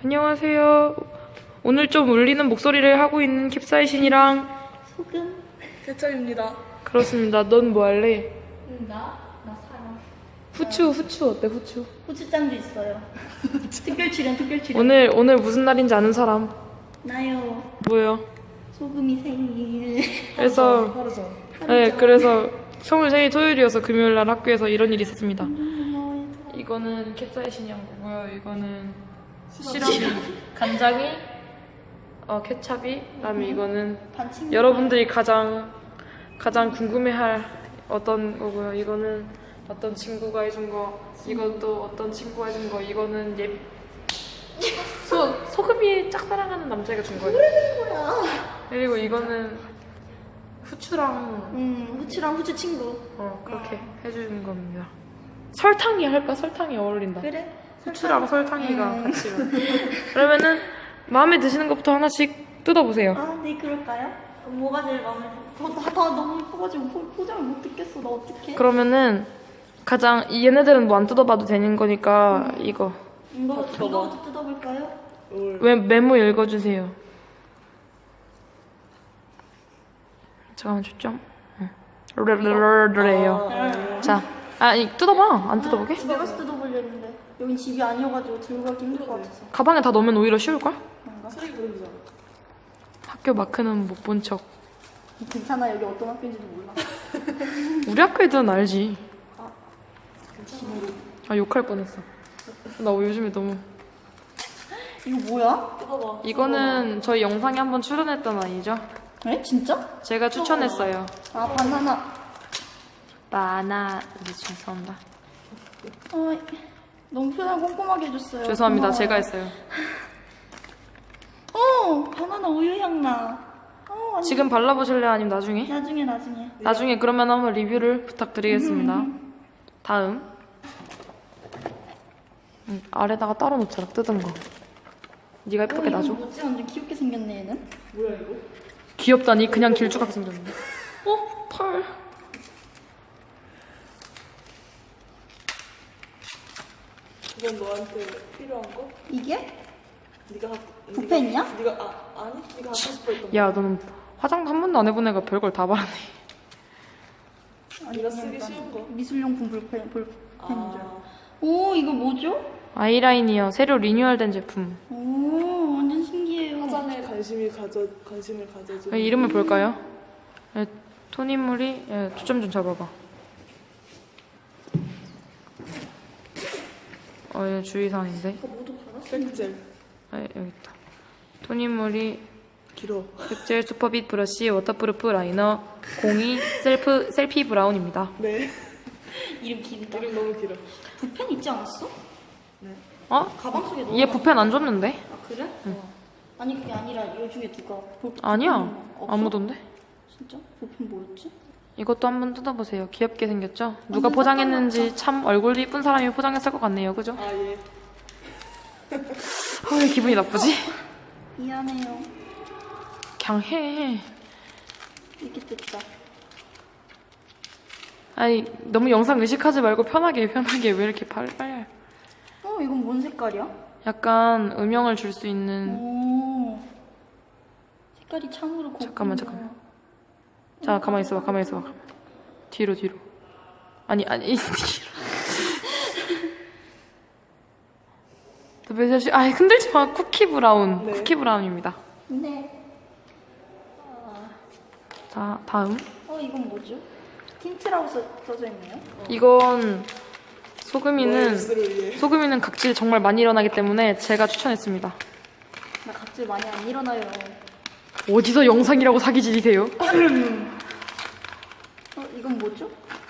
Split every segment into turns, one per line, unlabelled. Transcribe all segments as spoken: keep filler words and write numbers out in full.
안녕하세요. 오늘 좀 울리는 목소리를 하고 있는 캡사이신이랑
소금.
대철입니다.
그렇습니다. 넌 뭐 할래?
나? 나 사랑.
후추, 후추 어때, 후추?
후추장도 있어요. 특별 출연, 특별 출연.
오늘, 오늘 무슨 날인지 아는 사람?
나요.
뭐요?
소금이 생일.
그래서,
하루 전.
네, 그래서 성울 생일 토요일이어서 금요일 날 학교에서 이런 일이 있었습니다.
고마워요.
이거는 캡사이신이 한 거고요. 이거는 시럽이, 간장이, 어, 케찹이, 그다음에 이거는
반칙.
여러분들이 가장 가장 궁금해할 어떤 거고요. 이거는 어떤 친구가 해준 거, 이것도 어떤 친구가 해준 거, 이거는 예 소 소금이 짝사랑하는 남자애가 준 거예요.
뭐야?
그리고 이거는 후추랑
음, 후추랑 후추 친구.
어 그렇게 해주는 겁니다. 설탕이 할까? 설탕이 어울린다.
그래?
후추랑 설탕이가
음.
같이. 그러면은 마음에 드시는 것부터 하나씩 뜯어보세요.
아, 네, 그럴까요? 뭐가 제일 마음에 들어? 어, 나, 나 너무 예뻐가지고 포- 포장을 못 듣겠어. 나 어떡해?
그러면은 가장 이 얘네들은 뭐 안 뜯어봐도 되는 거니까 이거
이거,
뜯어봐.
이거부터 뜯어볼까요?
올.
왜 메모 읽어주세요. 잠깐만 초점. 르르르르르예요.
아,
자, 아, 이 뜯어봐. 안 뜯어보게?
집에 가서 뜯어보려 했는데 여긴 집이 아니어가지고 들고 가기 힘들 것 같아서.
가방에 다 넣으면 오히려 쉬울 걸?
그런가?
쓰레기 버리잖아.
학교 마크는 못 본 척.
괜찮아, 여기 어떤 학교인지도 몰라.
우리 학교 애들은 알지.
괜찮아.
아 욕할 뻔했어. 나 요즘에 너무.
이거 뭐야?
뜯어봐.
이거는 저희 영상에 한번 출연했던 아이죠.
에? 진짜?
제가 추천했어요.
아, 바나나.
바나. 네, 죄송합니다.
어, 너무 표현 꼼꼼하게 해줬어요.
죄송합니다.
고마워요.
제가 했어요.
어, 바나나 우유 향 나. 어, 완전-
지금 발라보실래요? 아니면 나중에?
나중에 나중에.
나중에 그러면 한번 리뷰를 부탁드리겠습니다.
음.
다음. 음, 아래다가 따로 놓자라 뜯은 거. 네가
어,
예쁘게
이거
놔줘.
뭐지? 완전 귀엽게 생겼네 얘는.
뭐야 이거?
귀엽다니 그냥 길쭉하게 생겼는데. 어? 털.
이건 너한테 필요한 거?
이게?
네가 하.
붓펜 있냐?
네가 아 아니 네가 갖고 싶어했던 거.
야 너는 화장도 한 번도 안 해본 애가 별걸 다 바라네.
아니,
네가
그냥
쓰기
일단
쉬운 거.
미술용품 볼펜, 볼펜인 줄.
아,
오, 이거 뭐죠?
아이라인이요. 새로 리뉴얼된 제품.
오, 완전 신기해요.
화장에 관심이 가져 관심을 가져줘.
아, 이름을 볼까요? 예, 톤인물이 예, 초점 좀 잡아봐. 어, 얘 주의사항인데.
이거 모두 받았어?
색젤
아, 여기 있다. 톤인물이
길어.
백젤 슈퍼빛 브러쉬 워터프루프 라이너 공이 셀프 셀피 브라운입니다.
네.
이름 길다.
이름 너무 길어.
붓펜 있지 않았어?
어?
가방 속에 넣어.
얘 붓펜 안 줬는데?
아, 그래? 아니, 그게 아니라 이 중에 누가 볼펜
아니야.
없어?
안 묻었는데?
진짜? 볼펜 뭐였지?
이것도 한번 뜯어보세요. 귀엽게 생겼죠? 누가
완전
포장했는지 참 얼굴도 이쁜 사람이 포장했을 것 같네요. 그죠?
아 예.
아, 왜 기분이 나쁘지?
미안해요.
그냥 해.
이렇게 됐다.
아니 너무 영상 의식하지 말고 편하게 편하게 왜 이렇게 빨리 빨리 해.
어, 이건 뭔 색깔이야?
약간 음영을 줄 수 있는.
오. 색깔이 참으로 곱군요.
잠깐만, 잠깐만. 자 가만히 있어봐 가만히 있어봐. 뒤로 뒤로. 아니 아니 이 뒤로. 매사시 아 흔들지 마. 쿠키 브라운.
네.
쿠키 브라운입니다.
네.
자 다음.
어, 이건 뭐죠? 틴트라고 써, 써져 있네요.
이건
너의
소금이는
입술을 위해.
소금이는 각질이 정말 많이 일어나기 때문에 제가 추천했습니다.
나 각질 많이 안 일어나요.
어디서 영상이라고 사기질이세요?
어, 이건 뭐죠?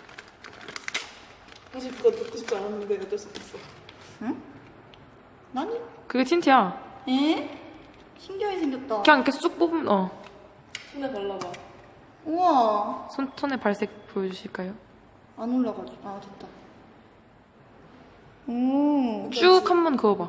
사실 그거 듣고 싶지 않았는데 어쩔 수 없어.
응? 나니?
그게 틴트야.
에? 신기하게 생겼다.
그냥 이렇게 쑥 뽑으면 어.
손에 발라봐.
우와.
손ton의 발색 보여주실까요?
안 올라가죠. 아, 됐다. 오.
쭉 한번 그어봐.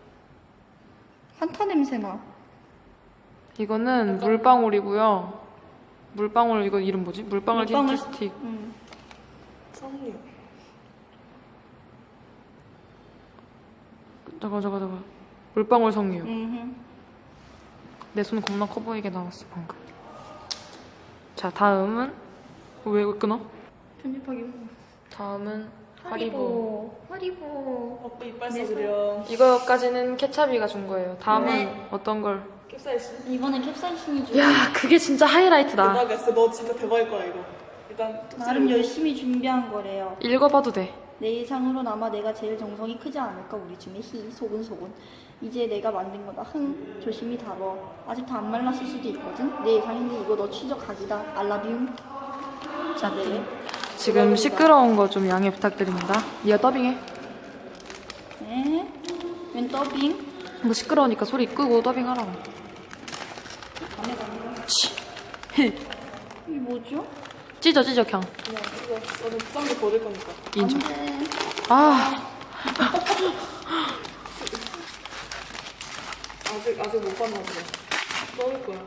한타 냄새 나.
이거는 물방울이고요. 물방울 이거 이름 뭐지? 물방울 틴트
물방울.
스틱.
응.
석류.
잠깐 잠깐 잠깐. 물방울 석류.
음.
내 손 겁나 커 보이게 나왔어 방금. 자 다음은 왜 끊어?
편집하기.
다음은 하리보.
하리보.
아빠 이빨 써드려.
이거까지는 케찹이가 준 거예요. 다음은
네.
어떤 걸?
캡사이신.
이번엔 캡사이신이 좀
야 그게 진짜 하이라이트다.
대박이었어. 너 진짜 대박일 거야 이거. 일단
나름 열심히 준비한 거래요.
읽어봐도 돼.
내 예상으로는 아마 내가 제일 정성이 크지 않을까 우리 중에 히 소근소근. 이제 내가 만든 거다. 흥 조심히 다뤄. 아직 다 안 말랐을 수도 있거든. 내 예상인데 이거 너 취적 각이다. 알라비움. 자 네.
지금 시끄러운 거 좀 양해 부탁드립니다. 네가 더빙해.
네. 웬 더빙?
뭐 시끄러우니까 소리 끄고 더빙하라고.
밤에 가는 거.
치.
이게 뭐죠?
찢어 찢어 그냥.
그냥 이거 너는 부장도 버릴 거니까.
인정.
안 돼.
아
아직 아직 못 봤나 보네. 넣을 거야.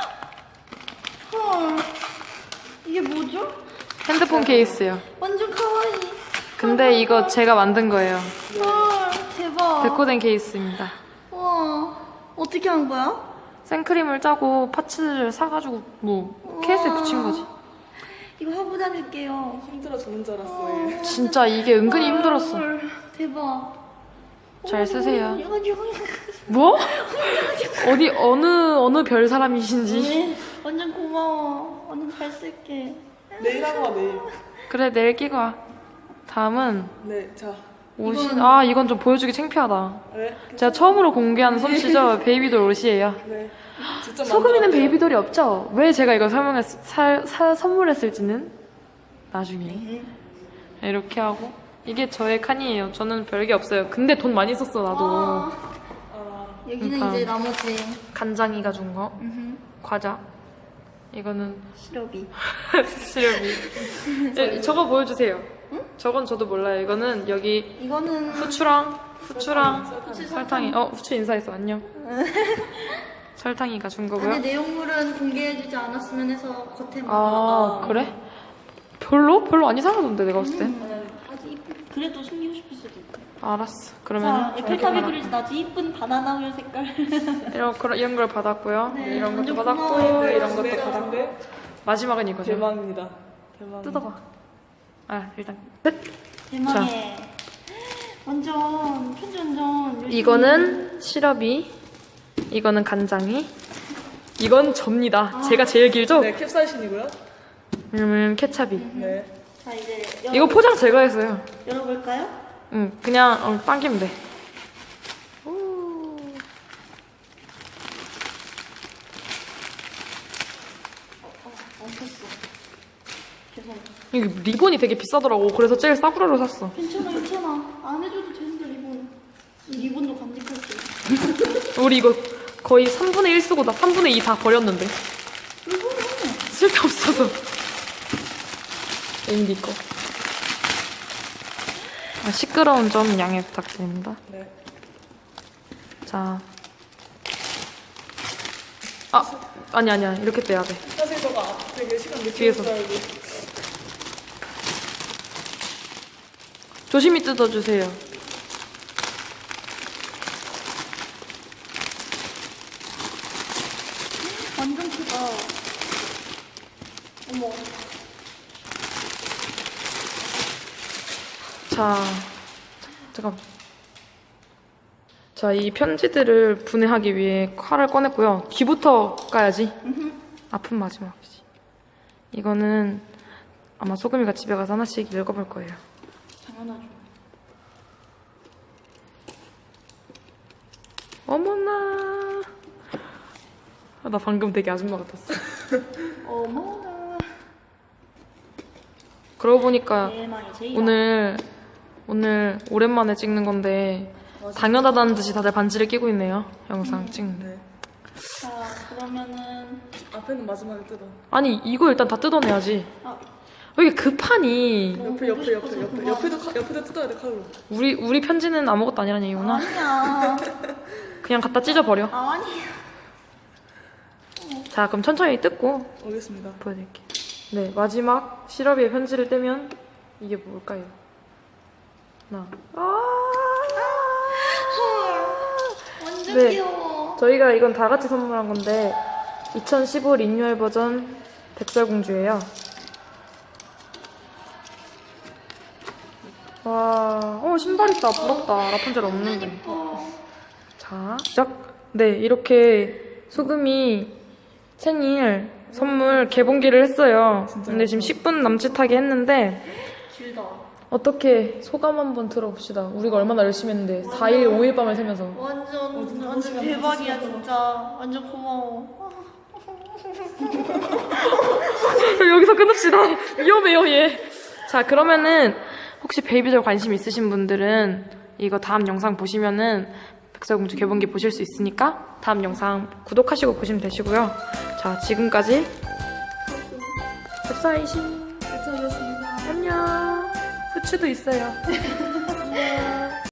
헐. 이게 뭐죠?
핸드폰 케이스요.
완전 카와이.
근데 이거 제가 만든 거예요.
헐. 대박.
데코된 케이스입니다.
우와. 어떻게 한 거야?
생크림을 짜고 파츠를 사가지고 뭐 케이스에 붙인 거지.
이거 하고 다닐게요.
힘들어 죽는 줄 알았어. 얘.
진짜 이게 은근히 힘들었어.
헐. 대박.
잘 쓰세요.
이거 이거 이거.
뭐? 어디 어느 어느 별 사람이신지.
네. 완전 고마워. 완전 잘 쓸게.
내일 하고 와 내일.
그래 내일 끼고 와. 다음은
네, 자.
옷이
이건-
아 이건 좀 보여주기 창피하다.
네.
제가 처음으로 공개하는 솜씨죠. 베이비돌 옷이에요.
네. 직접
소금이는
만들었대요.
베이비돌이 없죠. 왜 제가 이걸 설명했 사, 사, 선물했을지는 나중에 이렇게 하고 이게 저의 칸이에요. 저는 별게 없어요. 근데 돈 많이 썼어 나도.
아,
아,
여기는
그러니까.
이제 나머지
간장이가 준 거,
음흠.
과자. 이거는
시럽이.
시럽이. 예, 저거 보여주세요. 저건 저도 몰라요. 이거는 여기
이거는
후추랑 후추랑
설탕.
설탕이. 어 후추 인사했어. 안녕. 설탕이가 준 거고요.
안에 내용물은 공개해주지 않았으면 해서 겉에만.
아 그래? 별로? 별로 안 이상하던데 내가 봤을 때.
음, 아주 이쁜. 그래도 숨기고 싶을 수도 있고.
알았어.
자,
그러면
에펠탑이 그려진 아주 이쁜 바나나 우유 색깔.
이런 그런 이런 걸 받았고요.
네,
이런 것도
완전
받았고
고마워요.
이런 것도
네,
받았고
네.
마지막은 이거죠.
대박입니다. 대박.
뜯어봐. 아 일단 끝.
대망의. 완전 편지 완전. 열심히.
이거는 시럽이, 이거는 간장이, 이건 접니다. 제가 제일 길죠?
네, 캡사이신이고요.
왜냐면 케찹이.
네.
자 이제 열,
이거 포장 제가 했어요.
열어볼까요?
응, 그냥 어, 당기면 돼. 오.
안 폈어. 죄송해요.
이게 리본이 되게 비싸더라고. 그래서 제일 싸구려로 샀어.
괜찮아 괜찮아. 안 해줘도 되는데 리본. 이 리본도 간직할게.
우리 이거 거의 삼분의 일 쓰고 나 삼분의 이 다 버렸는데. 쓸데없어서. 인디 거. 아, 시끄러운 점 양해 부탁드립니다.
네.
자. 아, 아니, 아니야. 이렇게 떼야 돼.
사실 저가 되게 시간 늦게
뒤에서.
줄 알고.
조심히 뜯어주세요.
완전 크다. 어머.
자, 잠깐. 자, 이 편지들을 분해하기 위해 칼을 꺼냈고요. 뒤부터 까야지. 아픈 마지막이지. 이거는 아마 소금이가 집에 가서 하나씩 읽어볼 거예요.
당연하죠.
어머나. 아, 나 방금 되게 아줌마 같았어.
어머나.
그러고 보니까
대망의 제이야.
오늘 오늘 오랜만에 찍는 건데 당연하다는 듯이 다들 반지를 끼고 있네요. 영상 찍는데.
네.
자 그러면은
앞에는 마지막에 뜯어.
아니 이거 일단 다 뜯어내야지.
아
왜 이게 급하니?
너무
옆에
보고
옆에 옆에
싶어서
옆에
그만.
옆에도 카- 옆에도 뜯어야 돼 칼로.
우리 우리 편지는 아무것도 아니라는 얘기구나.
아니야.
그냥 갖다 찢어버려.
아, 아니야.
자 그럼 천천히 뜯고
오겠습니다.
보여드릴게요. 네 마지막 시럽이의 편지를 떼면 이게 뭘까요? 하나. 아~
헐. 완전 진짜
네.
귀여워.
저희가 이건 다 같이 선물한 건데 이천십오 리뉴얼 버전 백설공주예요. 와, 어 신발 있다. 부럽다. 라푼젤 없는데.
예뻐.
자, 시작. 네, 이렇게 소금이 생일 선물 개봉기를 했어요. 근데 지금 십 분 남짓하게 했는데
길다.
어떻게 소감 한번 들어봅시다. 우리가 얼마나 열심히 했는데 사 일, 오 일 밤을 새면서.
완전
진짜
완전
시간
대박이야
진짜.
진짜. 완전 고마워.
여기서 끊읍시다. 위험해요, 얘. 자, 그러면은 혹시 베이비돌 관심 있으신 분들은 이거 다음 영상 보시면은 백설공주 개봉기 보실 수 있으니까 다음 영상 구독하시고 보시면 되시고요. 자, 지금까지 웹사이신
괜찮았습니다.
안녕. 후추도 있어요.